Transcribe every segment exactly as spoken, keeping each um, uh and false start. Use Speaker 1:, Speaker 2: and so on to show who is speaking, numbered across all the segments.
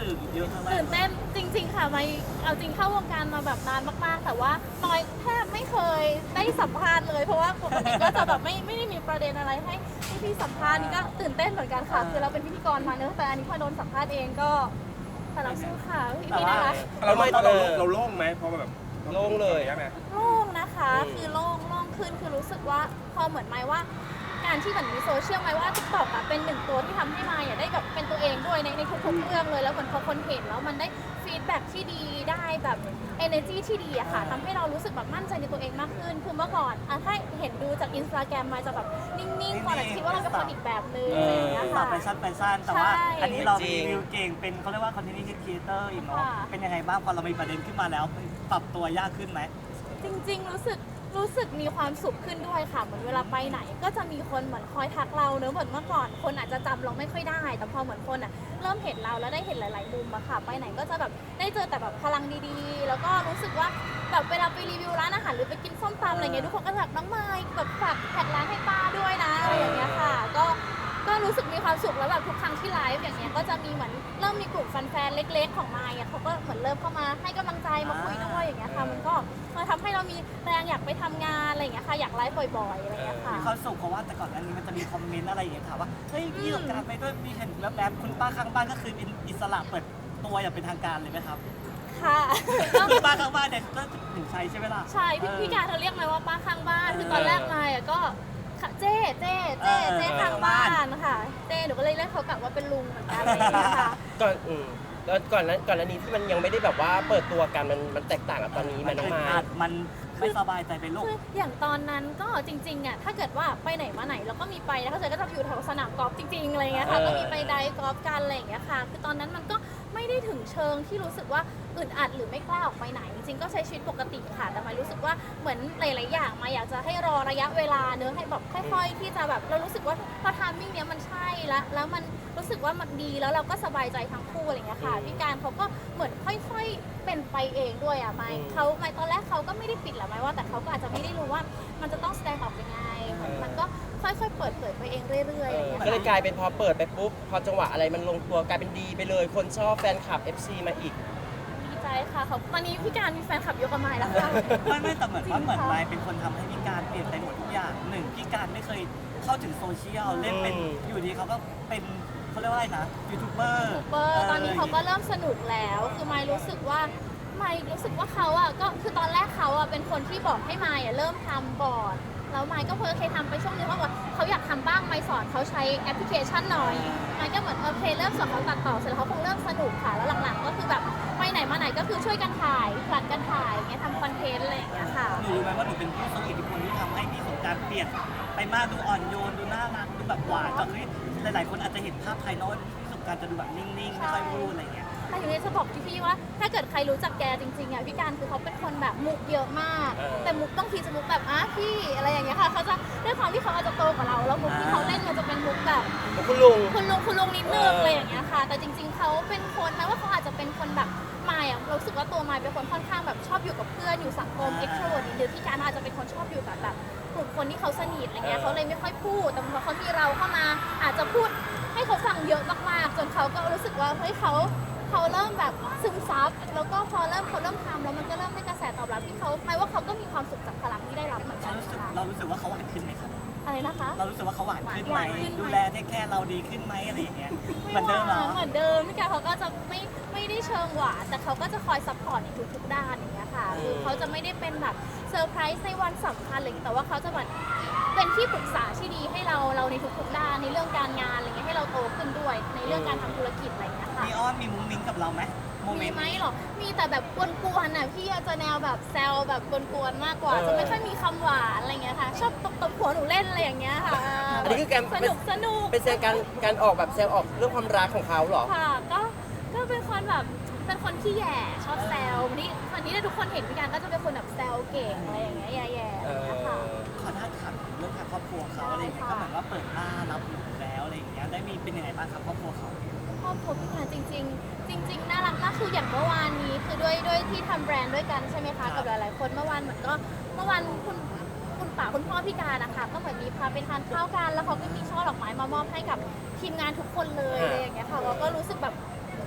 Speaker 1: สื่อเยอะมาก
Speaker 2: ตื่นเต้นจริงๆค่ะไม่เอาจริงเข้าวงการมาแบบนานมากๆแต่ว่าน้อยแทบไม่เคยได้สัมภาษณ์เลยเพราะว่าปกติก็จะแบบไม่ไม่ได้มีประเด็นอะไรให้ให้พี่สัมภาษณ์นี่ก็ตื่นเต้นเหมือนกันค่ะคือเราเป็นพิธีกรมาเนอะแต่อันนี้พอโดนสัมภาษณ์เองก็แต่เราสู้ค่ะพี่พี่น่ารัก
Speaker 3: เราไม่เราเราโล่งไหมเพราะแบบโล่งเลยใช่ไหม
Speaker 2: โล่งนะคะคือโล่งโล่งขึ้นคือรู้สึกว่าพอเหมือนไม้ว่าการที่เหมือนมีโซเชียลไม้ว่า ติ๊กต็อก อะเป็นหนึ่งตัวที่ทำให้ไม้อะได้แบบเป็นตัวเองด้วยในในทุกๆเรื่องเลยแล้วเหมือนพอคนเห็นแล้วมันได้ฟีดแบ็กที่ดีได้แบบ energy ที่ดีอะค่ะทำให้เรารู้สึกแบบมั่นใจในตัวเองมากขึ้นคือเมื่อก่อนอะถ้าเห็นดูจากอินสตาแกรมมาจะแบบนิ่งๆก่อนอาจจะคิดว่าเราเป็นคนอีกแบบนึงอะไรอย่างเงี้ย
Speaker 1: ต่อ
Speaker 2: ค่ะ
Speaker 1: ไปสั้นไปสั้นแต่ว่า
Speaker 2: ใช่
Speaker 1: อันนี้เรารีวิวเก่งเป็นเขาเรียกว่าคอนเทนต์ครีเอเตอร์อีกเนาะ
Speaker 2: ค่ะ
Speaker 1: เป็นยังไงบ้างพอเรามีประเด็นขึ้นมาแล้วปรับตัวยากขึ้นไหม
Speaker 2: จริงๆ รู้สึกรู้สึกมีความสุขขึ้นด้วยค่ะเหมือนเวลาไปไหน ก็จะมีคนเหมือนคอยทักเราเนอะเหมือนเมื่อก่อนคนอาจจะจำเราไม่ค่อยได้ แต่พอเหมือนคนอ่ะเริ่มเห็นเราแล้วได้เห็นหลายๆมุมอะค่ะ ไปไหนก็จะแบบได้เจอแต่แบบพลังดีๆ แล้วก็รู้สึกว่าแบบเวลาไปรีวิวร้านอาหารหรือไปกินส้มตำอะไรเงี้ยทุกคนก็จะแบบน้องไม้แบบฝากแท็กร้านให้ป้าด้วยนะอะไรอย่างเงี้ยค่ะก็ก็รู้สึกมีความสุขแล้วแบบทุกครั้งที่ไลฟ์อย่างเงี้ยก็จะมีเหมือนเริ่มมีกลุ่มแฟนๆเล็กๆของไมค์อ่ะเขาก็เหมือนเริ่มเข้ามาให้กำลังใจมาคุยด้วยอย่างเงี้ยค่ะมันก็มาทำให้เรามีแรงอยากไปทำงานอะไรอย่างเงี้ยค่ะอยากไลฟ์บ่อยๆอะไรอย่างเงี้ยค่ะ
Speaker 1: มีความสุขเพราะว่าแต่ก่อนอันนี้มันจะมีคอมเมนต์อะไรอย่างเงี้ยถามว่าเฮ้ยพี่สงกรารไปด้วยมีเห็นแล้วแบบคุณป้าข้างบ้านก็คือเป็นอิสระเปิดตัวอย่างเป็นทางการเลยไหมครับ
Speaker 2: ค่ะ
Speaker 1: คุณป้าข้างบ้านเนี่ยก็ถึงใช้ใช่ไหมล่ะ
Speaker 2: ใช่พี่พี่การเธอเรียกไหมว่าป้าข้างบ้านคือตอนแรกมาอ่ะก็ค่ะเจ๊เจ๊เจ๊เจ๊ข้างบ้านค่ะเจ๊หนูก็เลยเรียกเขากลับว่าเป็นลุงเหมือนกันอะไรอย่างเงี้ยค่ะ
Speaker 4: ก่อนอืมแล้วก่อนนั้นก่อนอันนี้ที่มันยังไม่ได้แบบว่าเปิดตัวกันมันมันแตกต่างกับตอนนี้มันน้องไม้
Speaker 1: อาจมันไม่สบายใจไปโลก
Speaker 2: คืออย่างตอนนั้นก็จริงๆอ่ะถ้าเกิดว่าไปไหนมาไหนเราก็มีไปแล้วก็เจอก็จะอยู่แถวสนามกอล์ฟจริงๆอะไรเงี้ยค่ะ
Speaker 4: เออ
Speaker 2: ก็มีไปไดฟ์กอล์ฟกันอะไรอย่างเงี้ยค่ะคือตอนนั้นมันก็ไม่ได้ถึงเชิงที่รู้สึกว่าอึดอัดหรือไม่กล้าออกไปไหน จริงๆก็ใช้ชีวิตปกติค่ะแต่หมายรู้สึกว่าเหมือนหลายๆอย่างมาอยากจะให้รอระยะเวลาเนื้อะให้แบบค่อย ๆ ที่จะแบบเรารู้สึกว่าพอทามมิ่งเนี้ยมันใช่แล้วแล้วมันรู้สึกว่ามันดีแล้วเราก็สบายใจทั้งคู่อะไรเงี้ยค่ะพี่การเขาก็เหมือนค่อยๆเป็นไปเองด้วยอ่ะไม่เขาไม่ตอนแรกเขาก็ไม่ได้ปิดหรอกไม่ว่าแต่เขาก็อาจจะไม่ได้รู้ว่ามันจะต้องแสดงออกยังไงมันก็ค่อยๆเปิดเผยไปเองเรื่อยๆอะไรเงี้ย
Speaker 4: ก็เลยกลายเป็นพอเปิดไปปุ๊บพอจังหวะอะไรมันลงตัวกลายเป็นดีไปเลยคนชอบแฟนคลับ เอฟ ซี มาอีก
Speaker 2: ดีใจค่ะเขาตอนนี้พี่การมีแฟนคลับยกกระไม้แล้วค่ะ
Speaker 1: ไม่ไม่แต่เหมือนว่าเหมือน
Speaker 2: จริงค่ะ
Speaker 1: ไมค์เป็นคนทำให้พี่การเปลี่ยนไปหมดทุกอย่างหนึ่งพี่การไม่เคยเข้าถึงโซเชียลเล่นเป็น
Speaker 4: อืม
Speaker 1: อยู่ดีเขาก็เป็นเขาเรียกว่าอะไรนะยูทูบเบอร์
Speaker 2: เบอร์ตอนนี้เขาก็เริ่มสนุกแล้ว คือไม่รู้สึกว่าไม่รู้สึกว่าเขาอ่ะก็คือตอนแรกเขาอ่ะเป็นคนที่บอกให้ไม่อ่ะเริ่มทำก่อนแล้วไม่ก็เพิ่งเคยทำไปช่วงนึงว่าเขาอยากทำบ้างไม่สอนเขาใช้แอปพลิเคชันหน่อยไม่ก็เหมือนโอเคเริ่มสอนเขาตัดต่อเสร็จแล้วเขาคงเริ่มสนุกค่ะแล้วหลังๆก็คือแบบไปไหนมาไหนก็คือช่วยกันถ่ายผลัดกันถ่ายอย่างเงี้ยทำคอนเทนต์อะไรอย่างเงี้ยค่ะ
Speaker 1: หนูรู้ไหมว่าหนูเป็นผู้ทรงอิทธิพลที่ทำให้พี่สงกรารเปลี่ยนไปมากดูอ่อนโยนดูน่ารักดูแบบหวานจากที่หลายๆคนอาจจะเห็นภาพภายนอกพี่สงกรารจะดูแบบนิ่งๆไม่ค่อยพูดอะไรอย่างเงี้ย
Speaker 2: แต่อยู่ในจะบอกพี่ๆว่าถ้าเกิดใครรู้จักแกจริงๆอ่ะพี่การคือเขาเป็นคนแบบมุกเยอะมาก
Speaker 4: เออ
Speaker 2: แต่มุกต้องทีจะมุกแบบอ่ะพี่อะไรอย่างเงี้ยค่ะเขาจะด้วยความที่เขาอาจจะโตกว่าเราแล้วมุกที่เขาเล่นมันจะเป็นมุกแบบ
Speaker 4: คุณลุง
Speaker 2: คุณลุงคุณลุงนิดนึง
Speaker 4: เอออ
Speaker 2: อะไรอย่างเงี้ยค่ะ แต่จริง ๆเขาเป็นคนแม้ว่าเขาอาจจะเป็นคนแบบมายอ่ะเรารู้สึกว่าตัวมายเป็นคนค่อนข้างแบบชอบอยู่กับเพื่อนอยู่สังคม
Speaker 1: อ่า
Speaker 2: เอ็กโทรเวิร์ดนิดนึงพี่การอาจจะเป็นคนชอบอยู่กับแบบกลุ่มคนที่เขาสนิทอะไรเงี้ยเขาเลยไม่ค่อยพูดแต่พอเขามีเราเข้ามาอาจจะพูดให้เขาฟังเยอะมากๆจนเขาก็รู้สึกว่าเฮ้ยเขาเขาเริ่มแบบซึมซับแล้วก็พอเริ่มเขาเริ่มทำแล้วมันก็เริ่มได้กระแสตอบรับที่เขาหมายว่าเขาก็มีความสุขจากพลังที่ได้รับเหมือนกั
Speaker 1: เรา
Speaker 2: น
Speaker 1: รู้สึก
Speaker 2: ค่ะ
Speaker 1: เรารู้สึกว่าเขาหวานขึ้นไหมครับ
Speaker 2: อะไรนะคะ
Speaker 1: เรารู้สึกว่าเขาหวานขึ้นไหม
Speaker 2: หวานขึ้นไหม
Speaker 1: ดูแลเทคแคร์เราดีขึ้นไหมอะไรอย่างเงี้ยเหมื
Speaker 2: ไม่
Speaker 1: อน
Speaker 2: ห
Speaker 1: เดิมเหร
Speaker 2: วา
Speaker 1: อน
Speaker 2: เหมือนเดิมพี่การเขาก็จะไม่ไม่ได้เชิงหวานแต่เขาก็จะคอยซัพพอร์ตในทุกๆด้านอย่างเงี้ยค่ะคือเขาจะไม่ได้เป็นแบบเซอร์ไพรส์ในวันสำคัญอะไรอย่างเงี้ยแต่ว่าเขาจะเหมือนเป็นที่ปรึกษาที่ดีให้เราเราในทุกๆด้านในเรื่องการงานอะไรเงี้ยให้เราโตขึ้นด้วย ในเรื่องการทำธุรกิจอะไรอย่างเงี้ยค่ะ
Speaker 1: มีอ้อนมีมุ้งมิ้งกับเราไหมโมเม
Speaker 2: มี
Speaker 1: นต์
Speaker 2: ไหมหรอ มีแต่แบบกวนๆน่ะพี่จะแนวแบบแซวแบบกวนๆมากกว่า จะไม่ค่อยมีคำหวานอะไรเงี้ยค่ะ ชอบตบตบหัวหนูเล่นอะไรอย่างเงี้ยค่ะ
Speaker 4: อันนี้คือการ
Speaker 2: สนุกสนุก
Speaker 4: เป็นแสดงการการออกแบบแซวออกเรื่องความรักของเขาเหรอ
Speaker 2: ค่ะ ก็ ก็เป็นคนแบบเป็นคนขี้แย่ชอบแซววันนี้วันนี้ทุกคนเห็นพี่การก็จะเป็นคนแบบแซวเก่งอะไรอย่างเงี้ยแย่ๆอะไรอย่างเงี้ยค่ะ
Speaker 1: ขอท้าถามเรื่องทางครอบครัวเขาอะไรอย่างเงี้ยก็เหมือนว่าเปิดหน้ารับหนูแล้วอะไรอย่างเงี้ยได้มีเป็นยังไงบ้างครับครอบครัวเขา
Speaker 2: ครอบครัวพี่การจริง ๆ จริง ๆน่ารักมากคืออย่างเมื่อวานนี้คือด้วยด้วยที่ทำแบรนด์ด้วยกันใช่ไหมคะกับหลายๆคนเมื่อวานเหมือนก็เมื่อวานคุณคุณป๋าคุณพ่อพี่การนะคะก็เหมือนมีพาไปทานข้าวกันแล้วเขาก็มีช่อดอกไม้มามอบให้กับทีมงานทุกคนเลยอะไรอย่างเงี้ยค่ะเราก็รู้สึกแบบ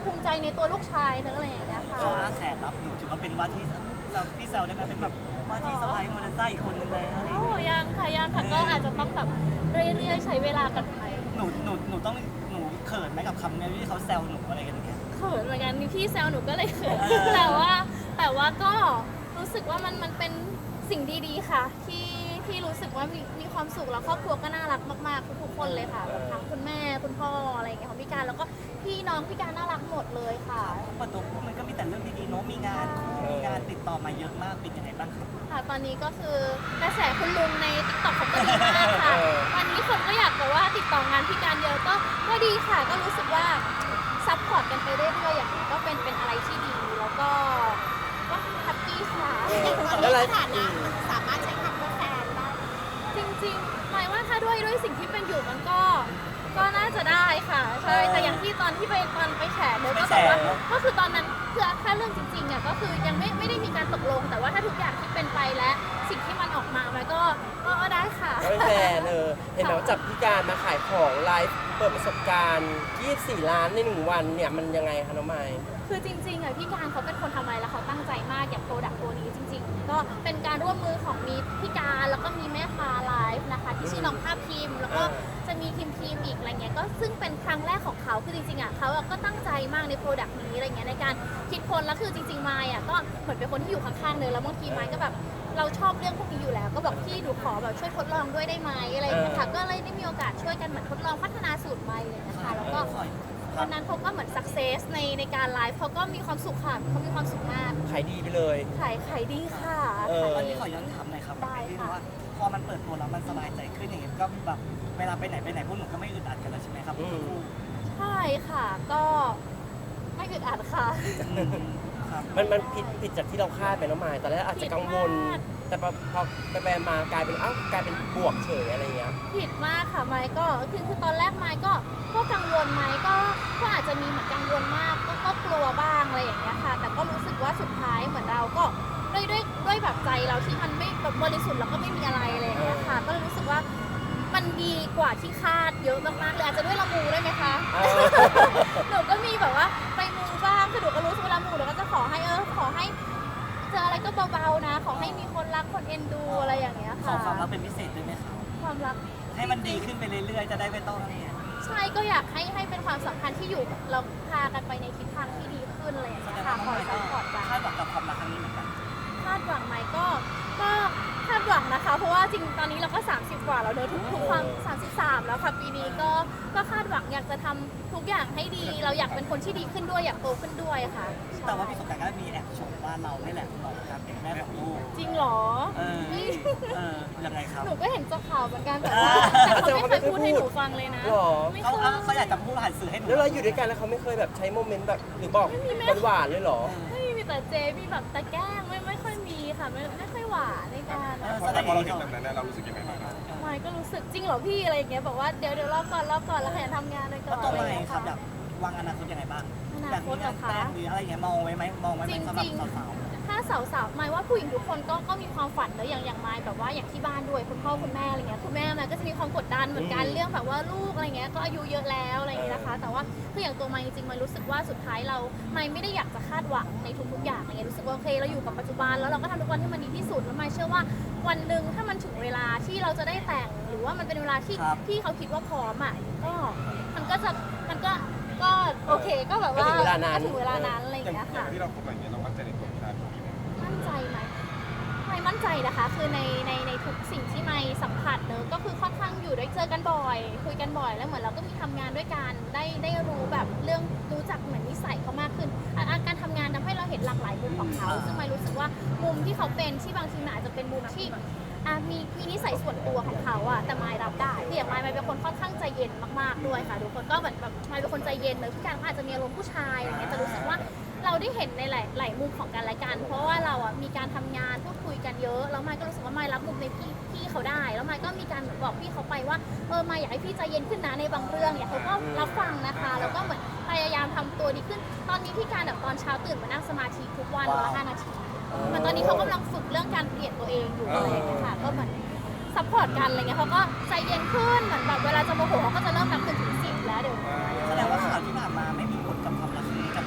Speaker 2: ภูมิใจในตัวลูกชายเนอะอะไรอย่างเงี้ยค่ะ
Speaker 1: เขาอ้าแขนรับหนูถือว่าเป็นว่าที่เราพี่แซวได้ไหมเป็นแบบว่าที่สะพ้ายโมเดลซ่าอีกคนนึงเลยอะไรอย่าง
Speaker 2: โอ้
Speaker 1: เงี้ย
Speaker 2: ยังค่ะยังค่ะก็อาจจะต้องแบบเรื่อยๆใช้เวลากันไป
Speaker 1: หนูหนูหนูต้องหนูเขินไหมกับคำนี้ที่เขาแซวหนูอะไรกันอย่างเงี้ย
Speaker 2: เขินเหมือนกันมีพี่แซวหนูก็เลยเขิน
Speaker 1: เออ
Speaker 2: แต่ว่าแต่ว่าก็รู้สึกว่ามันมันเป็นสิ่งดีๆค่ะ ที่ที่รู้สึกว่ามีมีความสุขแล้วครอบครัวก็น่ารักมากๆทุกๆคนเลยค่ะแบบทั้งคุณแม่คุณพ่ออะไรอย่างเงี้ยของพี่การแล้วก็พี่น้องพี่การน่ารักหมดเลยค่ะ
Speaker 1: เปิดตัวปุ๊บมันก็มีแต่เรื่องดีๆเนาะมีงานคู่มีงานติดต่อมาเยอะมากเป็นยังไงบ้างครับ
Speaker 2: ค่ะตอนนี้ก็คือกระแสคุณลุงในติ๊กต็อกเขาก็ดีมากค่ะ
Speaker 4: เออ
Speaker 2: ตอนนี้คนก็อยากแบบว่าติดต่องานพี่การเยอะก็ก็ดีค่ะ ก็รู้สึกว่าซัพพอร์ตกันไปเรื่อยๆอย่างนี้ก็เป็นเป็นอะไรที่ดีแล้วก็ก็แฮปปี้ค่ะ
Speaker 4: แล้วอะไร
Speaker 2: สามารถใช้คำว่าแฟนได้จริงๆหมายว่าถ้าด้วยด้วยสิ่งที่เป็นอยู่มันก็ก็น่าจะได้ค่ะใช่แต่อย่างที่ตอนที่ไปตอนไปแฉเนอะก็แบบว่าก็คือตอนนั้นคือถ้าเรื่องจริงๆอ่ะก็คือยังไม่ไม่ได้มีการตกลง แต่ว่าถ้าทุกอย่างที่เป็นไปและสิ่งที่มันออกมามันก็ก็ก็ได้ค่ะ
Speaker 4: ก็เป็นแฟนเออเห็นแบบว่าจับพี่การมาขายของไลฟ์เปิดประสบการณ์ยี่สิบสี่ล้านในหนึ่งวันเนี่ยมันยังไงคะน้องไมค์
Speaker 2: คือจริงๆอ่ะพี่การเขาเป็นคนทำอะไรแล้วเขาตั้งใจมากอย่างโปรดักต์ตัวนี้จริงๆ ก็เป็นการร่วมมือของมีพี่การแล้วก็มีแม่ค้าไลฟ์นะคะที่ชื่อน้องภาพพิมพ์แล้วก็จะมีทีมทีมอีกอะไรเงี้ยก็ซึ่งเป็นครั้งแรกของเขาคือจริงๆอ่ะเขาอะก็ตั้งใจมากในโปรดักต์นี้อะไรเงี้ยในการคิดค้นแล้วคือจริงๆไมค์อ่ะก็เหมือนเป็นคนที่อยู่ข้างๆเลยแล้วบางทีไมค์ก็แบบเราชอบเรื่องพวกนี้อยู่แล้ว ก็บอกพี่หนูขอแบบช่วยทดลองด้วยได้ไหมอะไรอย่างเงี้ยค่ะก็เลยได้มีโอกาสช่วยกันเหมือนทดลองพัฒนาสูตรไมค์เลยนะคะแล้วก็ วันนั้นเขาก็เหมือนสักเซสในในการไลฟ์เขาก็มีความสุขค่ะเขามีความสุขมาก
Speaker 4: ขายดีไปเลย
Speaker 2: ขายขายดีค่ะ
Speaker 4: เออ
Speaker 1: ตอนนี้ขอย้อนถามหน่อยครับ
Speaker 2: ได้ค่ะ
Speaker 1: ที่ว่าพอมันเปิดตัวแล้วมันสบายใจขึ้นอย่างเงี้ยก็แบบเวลาไปไหนไปไหนพวกหนูก็ไม่อึดอัดกันแล้วใช่ไหมครับ
Speaker 4: อืม
Speaker 2: ใช่ค่ะ ก็ไม่อึดอัดค่ะ
Speaker 1: อืมครับ
Speaker 4: มันมันผิดผิดจากที่เราคาดไปน้องไมค์ตอนแรกอาจจะกังวล
Speaker 2: ผิดมาก
Speaker 4: แต่พอพอไปไปมากลายเป็นเอ้ากลายเป็นบวกเฉยอะไรเงี้ย
Speaker 2: ผิดมากค่ะไมค์ก็คือคือตอนแรกไมค์ก็ก็กังวลไมค์ก็ก็อาจจะมีเหมือนกังวลมากก็ก็กลัวบ้างอะไรอย่างเงี้ยค่ะ แต่ก็รู้สึกว่าสุดท้ายเหมือนเราก็ด้วยด้วยด้วยแบบใจเราที่มันไม่แบบบริสุทธิ์แล้วก็ไม่มีอะไรอะไรอย่างเงี้ยค่ะ ก็เลยรู้สึกว่ามันดีกว่าที่คาดเยอะมากๆเลยอาจจะด้วยละมูได้วยไหมคะ
Speaker 4: เออ
Speaker 2: หนูก็มีแบบว่าไปมูบ้างคือหนูก็รู้สึกเวลามูหนูก็จะขอให้เออขอให้เจออะไรก็เบาๆนะ ขอให้มีคนรักคนเอ็นดูอะไรอย่างเงี้ย
Speaker 1: ขอ
Speaker 2: ค่ะ
Speaker 1: ความรักเป็นพิเศษด้วยไหมครับ
Speaker 2: ความรัก
Speaker 1: ให้มันดีขึ้นไปเรื่อยๆ จะได้ไม่ต้องเนี่ย
Speaker 2: ใช่ก็อยากให้ให้เป็นความสัมพันธ์ที่อยู่เราพากันไปในทิศทางที่ดีขึ้นอะไรอย่าง
Speaker 1: แส
Speaker 2: เงี้
Speaker 1: ด
Speaker 2: ย
Speaker 1: ง
Speaker 2: ค่ะ
Speaker 1: ว่า
Speaker 2: ค
Speaker 1: น้อง
Speaker 2: อย
Speaker 1: ไม
Speaker 2: ซัพ
Speaker 1: ค์
Speaker 2: พอร์ตกัน
Speaker 1: ก็คาดหวังกับความรักครั้งนี้เหมือนกัน
Speaker 2: คาดหวังไหมก็ก็คาดหวังนะคะ เพราะว่าจริงตอนนี้เราก็ สามสิบ กว่าแล้วเนอะทุกทุกความสามสิบสามแล้วค่ะปีนี้ก็ก็คาดหวังอยากจะทำทุกอย่างให้ดี เราอยากเป็นคนที่ดีขึ้นด้วยอยากโตขึ้นด้วยค่ะ
Speaker 1: แต่ว่าพี่สงกรารก็มีแอบชมว่าเราไม่แหละเหมาะกับการเป็นแม่ของลูก
Speaker 2: จริงเหรอ
Speaker 1: เออเออยังไงครับ
Speaker 2: หนูก็เห็นจากข่าวเหมือนกันแต่ว่าแต่เขาไม่เคยพูดให้หนูฟังเลยนะ
Speaker 4: หรอ
Speaker 2: ไม่
Speaker 1: เขา
Speaker 2: เค
Speaker 1: เขา
Speaker 2: ย
Speaker 1: เขาอยากจะพูดผ่านสื่อให้หนู
Speaker 4: แล้วเราอยู่ด้วยกันแล้วเขาไม่เคยแบบใช้โมเมนต์แบบหรือบอก
Speaker 2: ไม่มีแม่
Speaker 4: หวานๆเลยเหรอ
Speaker 2: ไม่มีแต่เจมีแบบตะแกล้งไม่ไม่ค่อยมีค่ะไม่ไม่ค่อยหวานในการ
Speaker 1: เออ
Speaker 3: พอแต่พอเราเห็นแบบนั้นเนี่ยเรารู้สึกยังไงบ้างครับ
Speaker 2: ไม่ก็รู้สึกจริงเหรอพี่อะไรอย่างเงี้ยบอกว่าเดี๋ยวเดี๋ยวรอก่อนรอก่อนแล้วขยันทำงานเลยก่
Speaker 1: แล้
Speaker 2: อ
Speaker 1: วน ตัว
Speaker 2: อะไร
Speaker 1: ใหม่
Speaker 2: อย่างเงี้ย
Speaker 1: ครับ
Speaker 2: ค่ะ
Speaker 1: แบบวางอนาคตยังไงบ้าง
Speaker 2: อนา
Speaker 1: อยาก
Speaker 2: ค
Speaker 1: มี
Speaker 2: ตเหรง
Speaker 1: า
Speaker 2: อน
Speaker 1: แต่
Speaker 2: คะ
Speaker 1: งหรืออะไรอย่างเงี้ยมองไว้ไหมมองไว้ไหมสำหรับสาว
Speaker 2: ถ้าสาวๆหมายว่าผู้หญิงทุกคนก็ก็มีความฝันเนอะอย่างอย่างไมายแบบว่าอย่างที่บ้านด้วยคุณพ่อคุณแม่อะไรเงี้ยคุณแม่ไมายก็จะมีความกดดันเหมือนกัน
Speaker 4: อืม
Speaker 2: เรื่องแบบว่าลูกอะไรเงี้ยก็อายุเยอะแล้วอะไรเงี้ยนะคะ แต่ว่าคืออย่างตัวไมายจริงๆไมายรู้สึกว่าสุดท้ายเราไมายไม่ได้อยากจะคาดหวังในทุกๆอย่างอะไรเงี้ยรู้สึกว่าโอเคเราอยู่กับปัจจุบันแล้วเราก็ทำทุกวันให้มันดีที่สุดแล้วไมายเชื่อว่าวันหนึ่งถ้ามันถึงเวลาที่เราจะได้แต่งหรือว่ามันเป็นเวลาที่ที่เขาคิดว่าพร้อมอ่ะก็มันก็จะมันก็ก็โอเคก็แบบว่า
Speaker 4: ก็ถึงเวลานั้น
Speaker 2: ก็ถึงเวลานั้นอะไร
Speaker 3: อย่าง
Speaker 2: เงี้ย
Speaker 3: อย่า
Speaker 2: ค่ะ
Speaker 3: งที่เราคบอะไรเงี้ยเรามั่นใจในตัวผู้ชายคนนี้ไหม
Speaker 2: มั่นใจไหมไม่มั่นใจนะคะ คือในในในทุกสิ่งที่ไม่สัมผัสเนอะก็คือค่อนข้างอยู่ด้วยเจอกันบ่อย คุยกันบ่อยแล้วเหมือนเราก็มีทำงานด้วยกันได้ได้รู้แบบเรื่องรู้จักเหมือนนิสัยเขามากขึ้นอ่ะอ่ะการทำงานทำให้เราเห็นหลากหลายมุมของเขาซึ่งไม่รู้สึกว่ามุมที่เขาเป็นที่บางทีมันอาจจะเป็นมุมที่อ่ะมีมีนิสัยส่วนตัวของเขาอะแต่ไม่รับได้คืออย่างไม่ไม่เป็นคนค่อนข้างใจเย็นมากๆด้วยค่ะทุกคนก็เหมือนแบบไม่เป็นคนใจเย็นเลยทุกอย่างก็อาจจะมีอารมณ์ผู้ชายอะไรเงี้ยแต่รู้สึกว่า เราได้เห็นในหลายหลายมุมของกันและกัน เพราะว่าเราอ่ะมีการทำงานพูดคุยกันเยอะแล้วไมค์ก็รู้สึกว่าไมค์รับมุมในพี่พี่เขาได้ แล้วไมค์ก็มีการเหมือนบอกพี่เขาไปว่าเออไมค์อยากให้พี่ใจเย็นขึ้นนะในบางเรื่องเนี่ยเขาก็รับฟังนะคะแล้วก็เหมือนพยายามทำตัวดีขึ้น ตอนนี้พี่การแบบตอนเช้าตื่นมานั่งสมาธิทุกวันวันละห้านาทีเหมือนตอนนี้เขากำลังฝึกเรื่องการเปลี่ยนตัวเองอยู่อะไรอย่างเงี้ยค่ะก็เหมือนซัพพอร์ตกันอะไรเงี้ยเขาก็ใจเย็นขึ้นเหมือนแบบเวลาจะโมโหเขาก็จะเริ่มนับหนึ่งถึงสิบแล้วเดี๋ยว
Speaker 1: ๆแสดงว่าข่าวที่ผ่านมาไม่มีผลกับความรักครั้งนี้กับ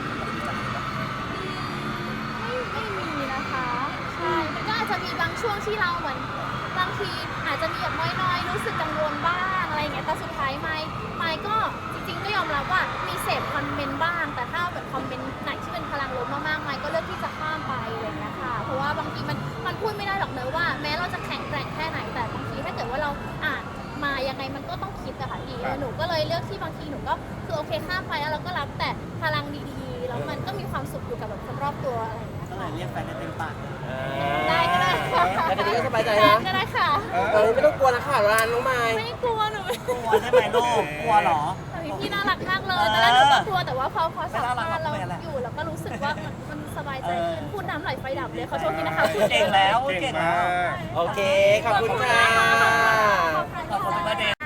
Speaker 2: ที่เราเหมือนบางทีอาจจะมีแบบน้อยๆรู้สึกกังวลบ้างอะไรอย่างเงี้ยแต่สุดท้ายไม่ไม่ก็จริงๆก็ยอมรับว่ามีเสพคอมเมนต์บ้าง แต่ถ้าแบบคอมเมนต์ไหนที่เป็นพลังลบมากๆไม่ก็เลือกที่จะข้ามไปอะไรอย่างเงี้ยค่ะเพราะว่าบางทีมันมันพูดไม่ได้หรอกเนอะว่าแม้เราจะแข็งแกร่งแค่ไหนแต่บางทีถ้าเกิดว่าเราอ่านมายังไงมันก็ต้องคิดอะค่ะพี่หนูก็เลยเลือกที่บางทีหนูก็คือโอเคข้ามไปแล้วเราก็รับแต่พลังดีๆแล้วมันก็มีความสุขอยู่กับแบบคนรอบตัวอะไรอย่างเงี้ย
Speaker 1: ก็เลยเรียกแฟนได้เต็มปากเลย
Speaker 2: ได้ก็ได้ค่ะ
Speaker 4: แล้วทีนี้ก็สบายใจ
Speaker 2: แฟ
Speaker 4: นะ
Speaker 2: นก็ได้ค่ะ
Speaker 4: ตอนนี้ไม่ต้องกลัวนะค่ะร้านน้องไม้
Speaker 2: ไม่กลัวหนูไม่
Speaker 1: กลัวใช่ไหมลูกกลัวเหรอ
Speaker 2: แต่พี่น่ารักมากเลยตอนแรกหนูก็กลัวแต่ว่าพอพอสัม
Speaker 1: ไม่น่ารัก
Speaker 2: ภาษณ์เรา
Speaker 1: ไม่เป็นไร
Speaker 2: อยู่แล้วก็รู้สึกว่ามันมันสบายใจ
Speaker 1: เออ
Speaker 2: ขึ้นพูดน้ำไหลไฟดับเลยขอโทษทีนะคะ
Speaker 1: เก่งแล้ว
Speaker 3: เก่ง
Speaker 1: เก่ง
Speaker 3: มา
Speaker 1: แล้ว
Speaker 3: ก
Speaker 4: โอเค ขอบคุณค่ะ
Speaker 2: ขอบคุณ
Speaker 1: ขอบคุณ
Speaker 2: ค่ะ
Speaker 1: ประเด็น